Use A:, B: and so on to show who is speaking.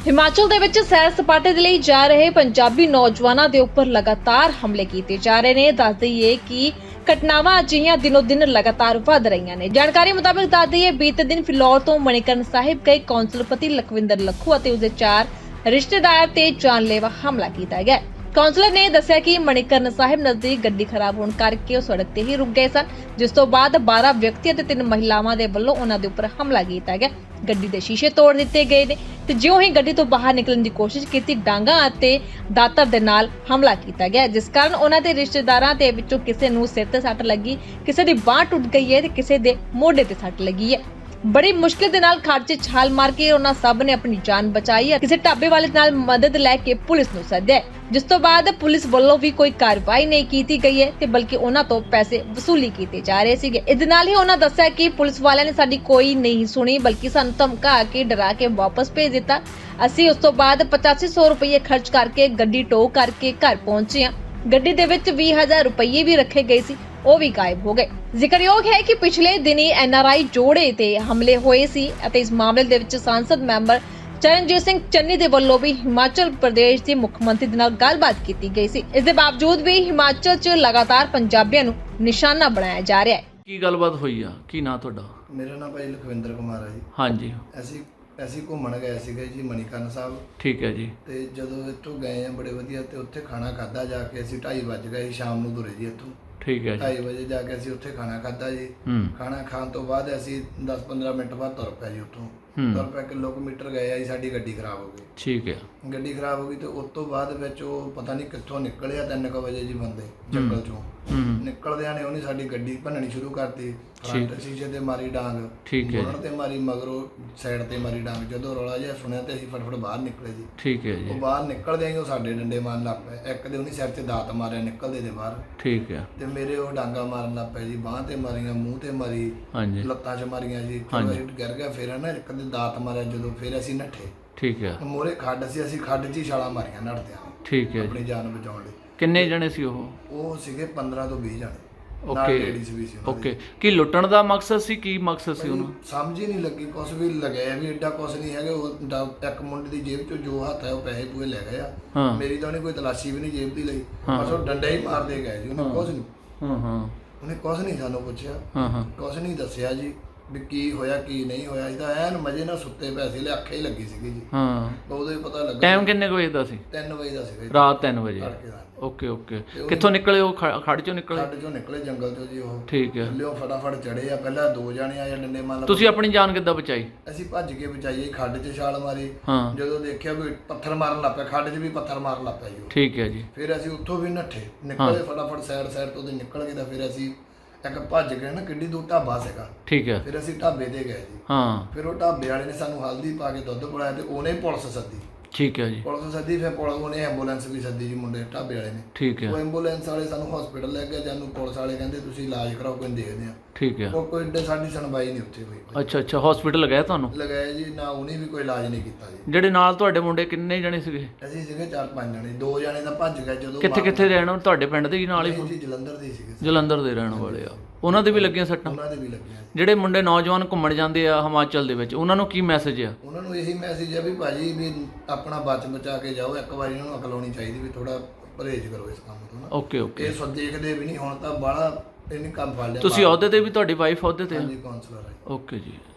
A: ਹਿਮਾਚਲ ਦੇ ਵਿੱਚ ਸੈਰ ਸਪਾਟੇ ਦੇ ਲਈ ਜਾ ਰਹੇ ਪੰਜਾਬੀ ਨੌਜਵਾਨਾਂ ਦੇ ਉੱਪਰ ਲਗਾਤਾਰ ਹਮਲੇ ਕੀਤੇ ਜਾ ਰਹੇ ਨੇ। ਦੱਸ ਦਈਏ ਕਿ ਘਟਨਾਵਾਂ ਅਜਿਹੀਆਂ ਦਿਨੋ ਦਿਨ ਲਗਾਤਾਰ ਵਧ ਰਹੀਆਂ ਨੇ। ਜਾਣਕਾਰੀ ਮੁਤਾਬਕ ਦੱਸ ਦਈਏ ਬੀਤੇ ਦਿਨ ਫਿਲੌਰ ਤੋਂ ਮਣੀਕਰਨ ਸਾਹਿਬ ਗਏ ਕੌਂਸਲਪਤੀ ਲਖਵਿੰਦਰ ਲੱਖੂ ਅਤੇ ਉਸਦੇ 4 ਰਿਸ਼ਤੇਦਾਰ ਤੇ ਜਾਨਲੇਵਾ ਹਮਲਾ ਕੀਤਾ ਗਿਆ। ਕਾਉਂਸਲਰ ਨੇ ਦੱਸਿਆ ਕਿ ਮਣੀਕਰਨ ਸਾਹਿਬ ਨਜ਼ਦੀਕ ਗੱਡੀ ਖਰਾਬ ਹੋਣ ਕਰਕੇ ਉਹ ਸੜਕ ਤੇ ਹੀ ਰੁਕ ਗਏ ਸਨ, ਜਿਸ ਤੋਂ ਬਾਅਦ 12 ਵਿਅਕਤੀ ਅਤੇ 3 ਮਹਿਲਾਵਾਂ ਦੇ ਵੱਲੋਂ ਉਹਨਾਂ ਦੇ ਉੱਪਰ ਹਮਲਾ ਕੀਤਾ ਗਿਆ। ਗੱਡੀ ਦੇ ਸ਼ੀਸ਼ੇ ਤੋੜ ਦਿੱਤੇ ਗਏ ਨੇ ਤੇ ਜਿਉਂ ਹੀ ਗੱਡੀ ਤੋਂ ਬਾਹਰ ਨਿਕਲਣ ਦੀ ਕੋਸ਼ਿਸ਼ ਕੀਤੀ, ਡਾਂਗਾ ਅਤੇ ਦਾਤਰ ਦੇ ਨਾਲ ਹਮਲਾ ਕੀਤਾ ਗਿਆ, ਜਿਸ ਕਾਰਨ ਉਹਨਾਂ ਦੇ ਰਿਸ਼ਤੇਦਾਰਾਂ ਦੇ ਵਿੱਚੋਂ ਕਿਸੇ ਨੂੰ ਸਿਰ ਤੇ ਸੱਟ ਲੱਗੀ, ਕਿਸੇ ਦੀ ਬਾਂਹ ਟੁੱਟ ਗਈ ਹੈ ਤੇ ਕਿਸੇ ਦੇ ਮੋਢੇ ਤੇ ਸੱਟ ਲੱਗੀ ਹੈ। ਬੜੀ ਮੁਸ਼ਕਿਲ ਦੇ ਨਾਲ ਖੱਡ 'ਚ ਛਾਲ ਮਾਰ ਕੇ ਉਹਨਾਂ ਸਭ ਨੇ ਆਪਣੀ ਜਾਨ ਬਚਾਈ ਹੈ। ਕਿਸੇ ਢਾਬੇ ਵਾਲੇ ਨਾਲ ਮਦਦ ਲੈ ਕੇ ਪੁਲਿਸ ਨੂੰ ਸੱਦਿਆ, ਜਿਸ ਤੋਂ ਬਾਅਦ ਪੁਲਿਸ ਵੱਲੋਂ ਵੀ ਕੋਈ ਕਾਰਵਾਈ ਨਹੀਂ ਕੀਤੀ ਗਈ ਹੈ ਤੇ ਬਲਕਿ ਉਹਨਾਂ ਤੋਂ ਪੈਸੇ ਵਸੂਲੀ ਕੀਤੇ ਜਾ ਰਹੇ ਸੀਗੇ। ਇਸ ਦੇ ਨਾਲ ਹੀ ਉਹਨਾਂ ਦੱਸਿਆ ਕਿ ਪੁਲਿਸ ਵਾਲਿਆਂ ਨੇ ਸਾਡੀ ਕੋਈ ਨਹੀਂ ਸੁਣੀ, ਬਲਕਿ ਸਾਨੂੰ ਧਮਕਾ ਕੇ ਡਰਾ ਕੇ ਵਾਪਸ ਭੇਜ ਦਿੱਤਾ। ਅਸੀਂ ਉਸ ਤੋਂ ਬਾਅਦ 8500 ਰੁਪਏ ਖਰਚ ਕਰਕੇ ਗੱਡੀ ਟੋ ਕਰਕੇ ਘਰ ਪਹੁੰਚੇ ਹਾਂ। ਗੱਡੀ ਦੇ ਵਿੱਚ 20000 ਰੁਪਏ ਵੀ ਰੱਖੇ ਗਏ ਸੀ, ਉਹ ਵੀ ਗਾਇਬ ਹੋ ਗਏ। ਜ਼ਿਕਰਯੋਗ ਹੈ ਕਿ ਪਿਛਲੇ ਦਿਨੀ NRI ਜੋੜੇ ਤੇ ਹਮਲੇ ਹੋਏ ਸੀ ਅਤੇ ਇਸ ਮਾਮਲੇ ਦੇ ਵਿੱਚ ਸੰਸਦ ਮੈਂਬਰ ਚਰਨਜੀਤ ਸਿੰਘ ਚੰਨੀ ਦੇ ਵੱਲੋਂ ਵੀ ਹਿਮਾਚਲ ਪ੍ਰਦੇਸ਼ ਦੇ ਮੁੱਖ ਮੰਤਰੀ ਦੇ ਨਾਲ ਗੱਲਬਾਤ ਕੀਤੀ ਗਈ ਸੀ। ਇਸ ਦੇ ਬਾਵਜੂਦ ਵੀ ਹਿਮਾਚਲ 'ਚ ਲਗਾਤਾਰ ਪੰਜਾਬੀਆਂ ਨੂੰ ਨਿਸ਼ਾਨਾ ਬਣਾਇਆ ਜਾ ਰਿਹਾ ਹੈ।
B: ਕੀ ਗੱਲਬਾਤ ਹੋਈ ਆ? ਕੀ ਨਾਂ ਤੁਹਾਡਾ?
C: ਮੇਰਾ ਨਾਮ ਭਾਈ ਲਖਵਿੰਦਰ ਕੁਮਾਰ ਹੈ ਜੀ।
B: ਹਾਂਜੀ,
C: ਅਸੀਂ ਘੁੰਮਣ ਗਏ ਸੀਗੇ ਜੀ ਮਣੀਕਰਨ ਸਾਹਿਬ।
B: ਠੀਕ ਹੈ ਜੀ।
C: ਤੇ ਜਦੋਂ ਇੱਥੋਂ ਗਏ ਆ ਬੜੇ ਵਧੀਆ, ਤੇ ਉੱਥੇ ਖਾਣਾ ਖਾਦਾ ਜਾ ਕੇ। ਅਸੀਂ 2:30 ਵਜ ਗਏ ਸ਼ਾਮ ਨੂੰ ਤੁਰੇ ਜੀ ਇੱਥੋਂ।
B: ਠੀਕ ਹੈ ਜੀ।
C: 2:30 ਵਜੇ ਜਾ ਕੇ ਅਸੀਂ ਉੱਥੇ ਖਾਣਾ ਖਾਦਾ ਜੀ। ਖਾਣਾ ਖਾਣ ਤੋਂ ਬਾਅਦ ਅਸੀਂ 10-15 ਮਿੰਟ ਬਾਅਦ ਤੁਰ ਪਏ ਜੀ ਉੱਥੋਂ। ਤੁਰ ਪਏ ਕਿਲੋਮੀਟਰ ਗਏ ਆ ਜੀ, ਸਾਡੀ ਗੱਡੀ ਖਰਾਬ ਹੋ ਗਈ।
B: ਠੀਕ ਹੈ।
C: ਗੱਡੀ ਖਰਾਬ ਹੋ ਗਈ ਤੇ ਉਸ ਤੋਂ ਬਾਅਦ ਵਿੱਚ ਉਹ ਪਤਾ ਨਹੀਂ ਕਿੱਥੋਂ ਨਿਕਲਿਆ 3 ਵਜੇ ਜੀ ਬੰਦੇ ਜੰਗਲ ਚੋਂ ਨਿਕਲਦਿਆਂ ਨੇ ਉਹਨੇ ਸਾਡੀ ਗੱਡੀ ਭੰਨਣੀ ਸ਼ੁਰੂ ਕਰਤੀ। ਫਰੰਟ ਸ਼ੀਸ਼ੇ ਤੇ ਮਾਰੀ ਡਾਂਗ,
B: ਠੀਕ ਹੈ
C: ਬੋਨਟ ਤੇ ਮਾਰੀ, ਮਗਰੋਂ ਸਾਈਡ ਤੇ ਮਾਰੀ ਡਾਂਗ। ਜਦੋਂ ਰੌਲਾ ਜਿਹਾ ਸੁਣਿਆ ਤੇ ਅਸੀਂ ਫਟਾਫਟ ਬਾਹਰ ਨਿਕਲੇ ਜੀ।
B: ਠੀਕ ਹੈ ਜੀ।
C: ਉਹ ਬਾਹਰ ਨਿਕਲਦੇ ਹੀ ਉਹ ਸਾਡੇ ਡੰਡੇ ਮਾਰਨ ਲੱਗ ਪਏ। ਇੱਕ ਦੇ ਉਹਨੇ ਸਿਰ ਤੇ ਦਾਤ ਮਾਰਿਆ ਨਿਕਲਦੇ ਦੇ ਬਾਹਰ।
B: ਠੀਕ ਹੈ।
C: ਤੇ ਮੇਰੇ ਉਹ ਡਾਂਗਾ ਮਾਰਨ ਲੱਗ ਪਏ ਜੀ, ਬਾਂਹ ਤੇ ਮਾਰੀਆਂ, ਮੂੰਹ ਤੇ ਮਾਰੀ,
B: ਹਾਂਜੀ,
C: ਲੱਤਾਂ 'ਚ ਮਾਰੀਆਂ ਜੀ। ਚਲੋ ਅਸੀਂ ਗਿਰ ਗਿਆ, ਫਿਰ ਨਾ ਇੱਕ ਦੇ ਦਾਤ ਮਾਰਿਆ ਜਦੋਂ, ਫਿਰ ਅਸੀਂ ਨੱਠੇ।
B: ਠੀਕ ਹੈ।
C: ਮੋਰੇ ਖੱਡ ਸੀ, ਅਸੀਂ ਖੱਡ 'ਚ ਹੀ ਛਾਲਾਂ ਮਾਰੀਆਂ ਨੱਠਦਿਆਂ
B: ਠੀਕ ਹੈ।
C: ਆਪਣੀ ਜਾਨ ਬਚਾਉਣ ਲਈ।
B: ਕਿੰਨੇ ਜਣੇ ਸੀ ਉਹ?
C: ਉਹ ਸੀਗੇ 15 ਤੋਂ 20 ਜਣੇ।
B: Okay okay. ਕੀ ਲੁੱਟਣ ਦਾ ਮਕਸਦ ਸੀ? ਕੀ ਮਕਸਦ ਸੀ ਉਹਨੂੰ? ਸਮਝ
C: ਹੀ ਨਹੀਂ ਲੱਗੀ। ਕੁਛ ਵੀ ਲਗਾਇਆ ਵੀ ਐਡਾ ਕੁਛ ਨਹੀਂ ਹੈਗਾ। ਉਹ ਇੱਕ ਮੁੰਡੇ ਦੀ ਜੇਬ 'ਚੋਂ ਜੋ ਹੱਥ ਹੈ ਉਹ ਪੈਸੇ ਪੂਏ ਲੈ ਗਏ ਆ। ਮੇਰੀ ਤਾਂ ਉਹਨੇ ਕੋਈ ਤਲਾਸ਼ੀ ਵੀ ਨਹੀਂ ਜੇਬ ਦੀ ਲਈ, ਬਸ ਉਹ ਡੰਡਾ ਹੀ ਮਾਰਦੇ ਗਏ ਜੀ। ਉਹਨੇ ਕੁਛ ਨਹੀਂ ਉਹਨੇ ਕੁਛ ਨਹੀਂ ਸਾਨੂੰ ਪੁੱਛਿਆ, ਕੁਛ ਨਹੀਂ ਦੱਸਿਆ ਜੀ ਵੀ ਕੀ ਹੋਇਆ ਕੀ ਨਹੀਂ ਹੋਇਆ। ਅਸੀਂ ਤਾਂ ਐਨ ਮਜ਼ੇ ਨਾਲ ਸੁੱਤੇ ਪਏ ਸੀ, ਅੱਖੇ ਹੀ ਲੱਗੀ ਸੀਗੀ ਜੀ। ਉਦੋਂ ਹੀ ਪਤਾ ਲੱਗਾ।
B: ਟਾਈਮ ਕਿੰਨੇ ਵਜੇ ਦਾ ਸੀ?
C: 3 ਵਜੇ ਦਾ ਸੀਗਾ,
B: ਰਾਤ 3 ਵਜੇ।
C: ਤੜਕੇ ਦਾ।
B: Okay okay. ਕਿੱਥੋਂ ਨਿਕਲੇ ਉਹ? ਖੱਡ ਚੋਂ ਨਿਕਲੇ?
C: ਖੱਡ ਚੋਂ ਨਿਕਲੇ, ਜੰਗਲ ਚੋਂ ਜੀ। ਉਹ
B: ਠੀਕ ਹੈ।
C: ਲਿਓ ਫਟਾਫਟ ਚੜੇ ਆ। ਪਹਿਲਾਂ 2 ਜਾਣੇ ਆਏ ਡੰਡੇ ਮਾਰ।
B: ਤੁਸੀਂ ਆਪਣੀ ਜਾਨ ਕਿੱਦਾਂ ਬਚਾਈ?
C: ਅਸੀਂ ਭੱਜ ਕੇ ਬਚਾਈਏ, ਖੱਡ 'ਚ ਛਾਲ ਮਾਰੀ। ਜਦੋਂ ਦੇਖਿਆ ਵੀ ਪੱਥਰ ਮਾਰਨ ਲੱਗ ਪਿਆ, ਖੱਡ 'ਚ ਵੀ ਪੱਥਰ ਮਾਰਨ ਲੱਗ ਪਿਆ ਜੀ।
B: ਠੀਕ ਹੈ ਜੀ।
C: ਫਿਰ ਅਸੀਂ ਉੱਥੋਂ ਵੀ ਨੱਠੇ, ਨਿਕਲੇ ਫਟਾਫਟ ਸਾਈਡ ਤੋਂ ਨਿਕਲ ਗਏ। ਤਾਂ ਫਿਰ ਅਸੀਂ ਇੱਕ ਭੱਜ ਗਏ ਨਾ, ਕਿੱਡੀ ਦੂਰ ਢਾਬਾ ਸੀਗਾ।
B: ਠੀਕ ਹੈ।
C: ਫਿਰ ਅਸੀਂ ਢਾਬੇ ਤੇ ਗਏ ਜੀ। ਫਿਰ ਉਹ ਢਾਬੇ ਵਾਲੇ ਨੇ ਸਾਨੂੰ ਹਲਦੀ ਪਾ ਕੇ ਦੁੱਧ ਪਿਲਾਇਆ ਤੇ ਉਹਨੇ ਪੁਲਿਸ ਸੱਦੀ।
B: ਠੀਕ ਹੈ ਜੀ।
C: ਪੁਲਿਸ ਸੱਦੀ, ਫਿਰ ਉਹਨੇ ਐਂਬੂਲੈਂਸ ਵੀ ਸੱਦੀ ਜੀ, ਮੁੰਡੇ ਢਾਬੇ ਵਾਲੇ ਨੇ।
B: ਠੀਕ ਹੈ।
C: ਉਹ ਐਂਬੂਲੈਂਸ ਵਾਲੇ ਸਾਨੂੰ ਹਸਪੀਟਲ ਲੈ ਗਏ। ਜਾਨੂੰ ਪੁਲਿਸ ਵਾਲੇ ਕਹਿੰਦੇ ਤੁਸੀਂ ਇਲਾਜ ਕਰਾਓ, ਕੋਈ ਦੇਖਦੇ ਆ।
B: ਠੀਕ ਹੈ।
C: ਉਹ ਕੋਈ ਸਾਡੀ ਸੁਣਵਾਈ ਨਹੀਂ ਉੱਥੇ ਹੋਈ।
B: ਅੱਛਾ ਅੱਛਾ। ਹਸਪੀਟਲ ਲਗਾਇਆ ਤੁਹਾਨੂੰ?
C: ਲਗਾਇਆ ਜੀ ਨਾ, ਉਹਨੇ ਵੀ ਕੋਈ ਇਲਾਜ ਨਹੀਂ ਕੀਤਾ ਜੀ।
B: ਜਿਹੜੇ ਨਾਲ ਤੁਹਾਡੇ ਮੁੰਡੇ ਕਿੰਨੇ ਜਣੇ ਸੀਗੇ?
C: ਅਸੀਂ ਸੀਗੇ 4-5 ਜਣੇ। 2 ਜਣੇ ਤਾਂ ਭੱਜ ਗਏ। ਜਦੋਂ
B: ਕਿੱਥੇ ਰਹਿਣ ਵਾਲੇ? ਤੁਹਾਡੇ ਪਿੰਡ ਦੇ ਹੀ ਨਾਲ ਹੀ?
C: ਜੀ ਜਲੰਧਰ ਦੇ ਸੀਗੇ।
B: ਜਲੰਧਰ ਦੇ ਰਹਿਣ ਵਾਲੇ ਆ। ਉਹਨਾਂ ਦੇ ਵੀ ਲੱਗੀਆਂ ਸੱਟਾਂ?
C: ਉਹਨਾਂ ਦੇ ਵੀ ਲੱਗੀਆਂ।
B: ਜਿਹੜੇ ਮੁੰਡੇ ਨੌਜਵਾਨ ਘੁੰਮਣ ਜਾਂਦੇ ਆ ਹਿਮਾਚਲ ਦੇ ਵਿੱਚ, ਉਹਨਾਂ ਨੂੰ ਕੀ ਮੈਸੇਜ ਆ?
C: ਉਹਨਾਂ ਨੂੰ ਇਹੀ ਮੈਸੇਜ ਹੈ ਵੀ ਭਾਜੀ ਵੀ ਆਪਣਾ ਬਚਾ ਕੇ ਜਾਓ। ਇੱਕ ਵਾਰੀ ਉਹਨਾਂ ਨੂੰ ਅਕਲ ਆਉਣੀ ਚਾਹੀਦੀ ਵੀ ਥੋੜਾ ਪਰਹੇਜ਼ ਕਰੋ ਇਸ ਕੰਮ ਤੋਂ ਨਾ।
B: Okay okay.
C: ਇਹ ਸਭ ਦੇਖਦੇ ਵੀ ਨਹੀਂ ਹੁਣ ਤਾਂ ਬਾਹਲਾ ਇਹਨੇ ਕੰਮ ਫੜ ਲਿਆ।
B: ਤੁਸੀਂ ਅਹੁਦੇ ਤੇ ਵੀ? ਤੁਹਾਡੀ ਵਾਈਫ ਅਹੁਦੇ ਤੇ?
C: ਹਾਂਜੀ, ਕਾਉਂਸਲਰ ਹੈ।
B: ਓਕੇ ਜੀ।